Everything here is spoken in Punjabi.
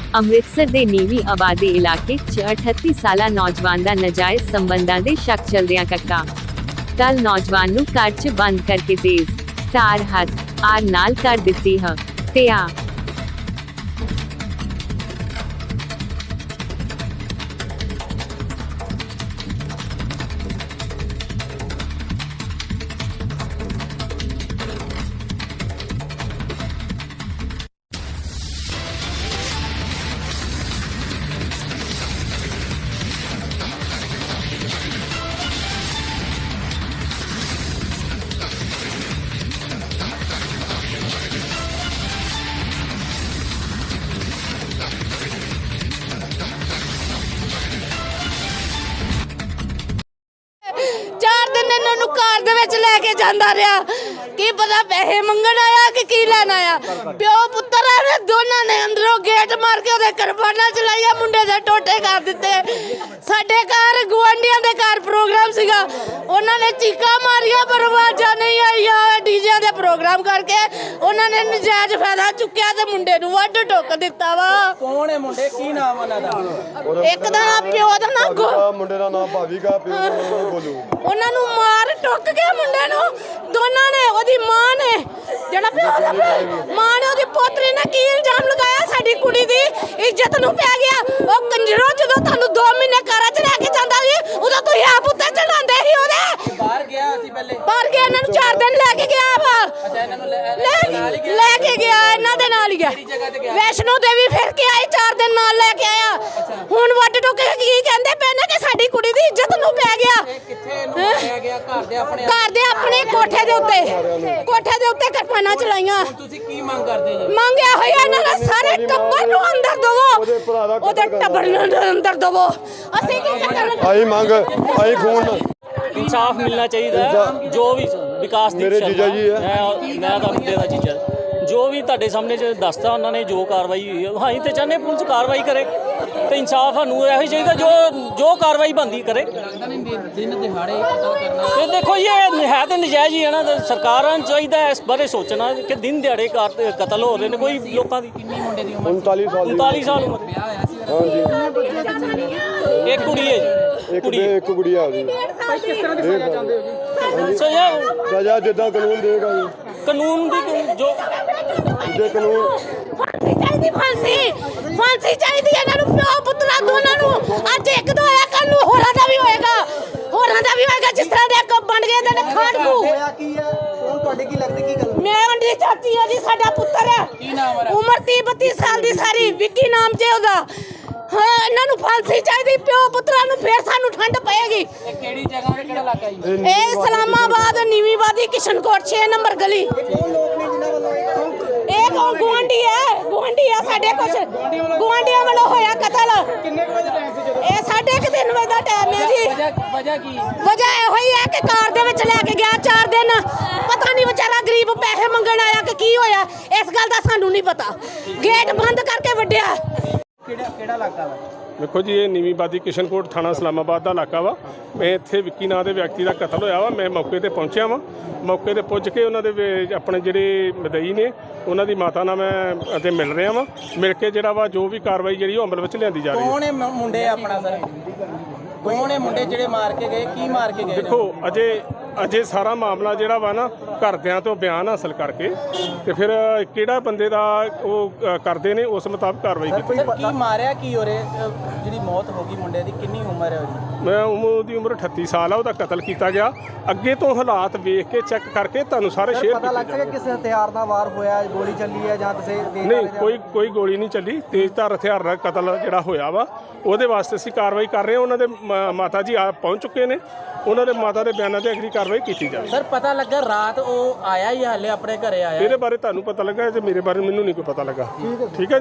ਅੰਮ੍ਰਿਤਸਰ ਦੇ ਨੀਵੀਂ ਆਬਾਦੀ ਇਲਾਕੇ 'ਚ 38 ਸਾਲਾ ਨੌਜਵਾਨ ਦਾ ਨਾਜਾਇਜ਼ ਸੰਬੰਧਾਂ ਦੇ ਸ਼ੱਕ ਚੱਲਦਿਆਂ ਕੱਟਾ। ਕੱਲ੍ਹ ਨੌਜਵਾਨ ਨੂੰ ਘਰ 'ਚ ਬੰਦ ਕਰਕੇ ਤੇਜ਼ ਧਾਰ ਹਥਿਆਰ ਨਾਲ ਕਰ ਦਿੱਤੀ ਹੱਤਿਆ। कार दे विच लेके जांदा रहा की पता पैसे मंगण आया कि की लेना आया। प्यो पुत्तर ने दोनों ने अंदरों गेट मार के ओदे करबाना चलाइया, मुंडे दे टोटे कर दिते। साडे घर गुआंढियां दे घर प्रोग्राम सीगा, उन्होंने चीका मारिया पर आवाज़ां नहीं आईया। डीजे दे प्रोग्राम करके उन्होंने नजायज फायदा चुक्या ते मुंडे नूं वड्ड टुक दिता वा। कौन है मुंडे, की नाम उन्हां दा? एक दा प्यो दा नाम मुंडे दा नाम भावी का, प्यो दा नाम गोलू। उन्हां नूं मार टुक के मुंडे नूं दोनों ने, ओदी मां ने जेड़ा प्यो दा मां ने ओदी पोतरी ने की इल्जाम लगाया साडी कुड़ी दी इज्जत नूं पै गया। ओ कंजरो जदों तानूं 2 महीने घर च रह के जांदा सी उदों तुसीं आप उत्ते चढ़ांदे ही ओदे। बाहर गया सी पहले, बाहर गया, इन्हां नूं 4 दिन लेके गया वा। अच्छा इन्हां नूं लेके गया, इन्हां दे नाल ही गया। वैष्णो देवी फिर के आई, 4 दिन नाल लेके आया। हुण वड्ड टुक के की कहंदे पए ने कि साडी कुड़ी दी इज्जत नूं पै गया। किथे नूं मारिया गया? घर दे अपने कोठे दे उत्ते करपाना चलाइयां। ਤੁਸੀਂ ਕੀ ਮੰਗ ਕਰਦੇ ਜੀ? ਮੰਗਿਆ ਹੋਇਆ ਇਹਨਾਂ ਦਾ ਸਾਰੇ ਟੱਬਰ ਨੂੰ ਅੰਦਰ ਦਵੋ, ਉਹਦੇ ਟੱਬਰ ਨੂੰ ਅੰਦਰ ਦਵੋ। ਅਸੀਂ ਕੀ ਕਰਨਾ? ਆਈ ਮੰਗ ਆਈ ਖੂਨ इंसाफ मिलना चाहिए। जो भी विकास दी मेरे जीजा जी है, मैं मुंडे का जीजा, जो भी ਤੁਹਾਡੇ ਸਾਹਮਣੇ ਦੱਸਦਾ ਉਹਨਾਂ ਨੇ ਜੋ ਕਾਰਵਾਈ ਹੋਈ ਹੈ, ਅਸੀਂ ਤੇ ਚਾਹੁੰਦੇ ਪੁਲਿਸ ਕਾਰਵਾਈ ਕਰੇ ਤੇ ਇਨਸਾਫ ਸਾਨੂੰ ਇਹੋ ਚਾਹੀਦਾ ਜੋ ਕਾਰਵਾਈ ਬਣਦੀ ਕਰੇ। ਦਿਨ ਦਿਹਾੜੇ ਕਤਲ ਕਰਨਾ ਤੇ ਦੇਖੋ ਇਹ ਹੈ ਤੇ ਨਜਾਇਜ਼ ਹੀ ਹੈ ਨਾ, ਸਰਕਾਰਾਂ ਨੂੰ ਚਾਹੀਦਾ ਇਸ ਬਾਰੇ ਸੋਚਣਾ ਕਿ ਦਿਨ ਦਿਹਾੜੇ ਕਤਲ ਹੋ ਰਹੇ ਨੇ। ਕੋਈ ਲੋਕਾਂ ਦੀ ਕਿੰਨੀ ਮੁੰਡੇ ਦੀ ਉਮਰ? 39 ਸਾਲ 39 ਸਾਲ ਉਮਰ। ਵਿਆਹ ਹੋਇਆ ਸੀ? ਇੱਕ ਕੁੜੀ ਹੈ ਜੀ, ਇੱਕ ਗੁੜੀਆ ਆ ਜੀ। ਕਿਸ ਤਰ੍ਹਾਂ ਦੀ ਸਜ਼ਾ ਚਾਹੁੰਦੇ ਹੋ ਜੀ? ਸਜ਼ਾ ਜਿੱਦਾਂ ਕਾਨੂੰਨ ਦੇਗਾ ਜੀ, ਕਾਨੂੰਨ ਦੀ ਜੋ ਜੇ ਕਾਨੂੰਨ ਫਾਂਸੀ ਚਾਹੀਦੀ ਹੈ ਇਹਨਾਂ ਨੂੰ, ਪਿਓ ਪੁੱਤਰਾਂ ਦੋਨਾਂ ਨੂੰ। ਅੱਜ ਇੱਕ ਦਾ ਹੋਇਆ, ਕੱਲ ਨੂੰ ਹੋਰਾਂ ਦਾ ਵੀ ਹੋਏਗਾ, ਜਿਸ ਤਰ੍ਹਾਂ ਦੇ ਅੱਗ ਬਣ ਗਏ ਨੇ ਖਾੜਕੂ। ਹੋਇਆ ਕੀ ਹੈ? ਕੌਣ ਤੁਹਾਡੇ ਕੀ ਲੱਗਦੇ, ਕੀ ਗੱਲ? ਮੈਂ ਉਹਦੀ ਚਾਚੀ ਆ ਜੀ, ਸਾਡਾ ਪੁੱਤਰ ਹੈ, ਕੀ ਨਾਮ ਹੈ? ਉਮਰ 30-32 ਸਾਲ ਦੀ ਸਾਰੀ, ਵਿੱਕੀ ਨਾਮ ਜੇ ਉਹਦਾ। ਹਾਂ ਇਹਨਾਂ ਨੂੰ ਫਾਂਸੀ ਚਾਹੀਦੀ, ਪਿਓ ਪੁੱਤਰਾਂ ਨੂੰ, ਫੇਰ ਸਾਨੂੰ ਠੰਡ ਪਏਗੀ। ਇਹ ਕਿਹੜੀ ਜਗ੍ਹਾ ਤੇ, ਕਿਹੜਾ ਇਲਾਕਾ ਜੀ? ਇਹ ਇਸਲਾਮਾਬਾਦ ਨੀਵੀਂ ਆਬਾਦੀ ਕਿਸ਼ਨਕੋਟ 6 ਨੰਬਰ ਗਲੀ। ਕੌਣ ਲੋਕ ਨੇ ਜਿਨ੍ਹਾਂ ਵੱਲੋਂ ਇਹ ਕੌਣ? ਗੁਆਂਢੀ ਆ ਸਾਡੇ, ਕੁਛ ਗੁਆਂਢੀਆਂ ਵੱਲੋਂ ਹੋਇਆ ਕਤਲ। ਕਿੰਨੇ ਵਜੇ ਟਾਈਮ ਸੀ ਜਦੋਂ? ਇਹ 3:30 ਵਜੇ ਦਾ ਟਾਈਮ ਹੈ ਜੀ। ਵਜ੍ਹਾ ਕੀ? ਵਜ੍ਹਾ ਇਹੋ ਹੀ ਹੈ ਕਿ ਕਾਰ ਦੇ ਵਿੱਚ ਲੈ ਕੇ ਗਿਆ 4 ਦਿਨ, ਪਤਾ ਨਹੀਂ ਵਿਚਾਰਾ ਗਰੀਬ ਪੈਸੇ ਮੰਗਣ ਆਇਆ ਕਿ ਕੀ ਹੋਇਆ, ਇਸ ਗੱਲ ਦਾ ਸਾਨੂੰ ਨਹੀਂ ਪਤਾ। ਗੇਟ ਬੰਦ ਕਰਕੇ ਵੱਢਿਆ। ਕਿਹੜਾ ਇਲਾਕਾ ਵਾ? देखो जी, ये नीवी आबादी किशनकोट थाना इस्लामाबाद का इलाका वा। मैं इत्थे विक्की नाम के व्यक्ति का कतल होया वा। मैं मौके पर पहुँचा वा। मौके पर पुज के उन्होंने अपने जोड़े मदई ने उन्होंने माता नाल मैं अते मिल रहा वा। मिल के जोड़ा वा जो भी कार्रवाई जी अमल में लिया जा रही है। कौन है मुंडे अपना सर? कौन है मुंडे ਜਿਹੜੇ ਮਾਰ ਕੇ ਗਏ, ਕੀ ਮਾਰ ਕੇ ਗਏ? देखो अजे सारा मामला जोड़ा वा ना घरदियां तो बयान हासिल करके ते फिर किहड़ा बंदे दा वो करते ने उस मुताबिक कार्रवाई की। ਸਰ ਕੀ ਮਾਰਿਆ ਕੀ ਹੋ ਰਿਹਾ? ਜਿਹੜੀ ਮੌਤ ਹੋ ਗਈ ਮੁੰਡੇ ਦੀ, ਕਿੰਨੀ ਉਮਰ ਹੈ ਉਹਦੀ? मैं ਉਹਦੀ ਉਮਰ 38 ਸਾਲ ਆ। ਉਹਦਾ ਕਤਲ ਕੀਤਾ ਗਿਆ। ਅੱਗੇ ਤੋਂ ਹਾਲਾਤ ਵੇਖ ਕੇ ਚੈੱਕ ਕਰਕੇ ਤੁਹਾਨੂੰ ਸਾਰੇ ਸ਼ੇਅਰ ਪਤਾ ਲੱਗ ਸਕਿਆ ਕਿਸੇ ਹਥਿਆਰ ਨਾਲ ਵਾਰ ਹੋਇਆ, ਗੋਲੀ ਚੱਲੀ ਹੈ ਜਾਂ ਕਿਸੇ ਨਹੀਂ, ਕੋਈ ਗੋਲੀ ਨਹੀਂ ਚੱਲੀ। ਤੇਜ਼ਧਾਰ ਹਥਿਆਰ ਨਾਲ ਕਤਲ ਜਿਹੜਾ ਹੋਇਆ ਵਾ ਉਹਦੇ ਵਾਸਤੇ ਅਸੀਂ ਕਾਰਵਾਈ ਕਰ ਰਹੇ ਹਾਂ। ਉਹਨਾਂ ਦੇ ਮਾਤਾ ਜੀ ਆ ਪਹੁੰਚ ਚੁੱਕੇ ਨੇ, ਉਹਨਾਂ ਦੇ ਮਾਤਾ ਦੇ ਬਿਆਨਾਂ ਤੇ ਅਗਲੀ ਕਾਰਵਾਈ ਕੀਤੀ ਜਾਵੇ। ਸਰ ਪਤਾ ਲੱਗਾ ਰਾਤ ਉਹ ਆਇਆ ਹੀ ਹਾਲੇ ਆਪਣੇ ਘਰੇ ਆਇਆ? ਇਹਦੇ ਬਾਰੇ ਤੁਹਾਨੂੰ ਪਤਾ ਲੱਗਾ, ਜੇ ਮੇਰੇ ਬਾਰੇ ਮੈਨੂੰ ਨਹੀਂ ਕੋਈ ਪਤਾ ਲੱਗਾ। ਠੀਕ ਹੈ।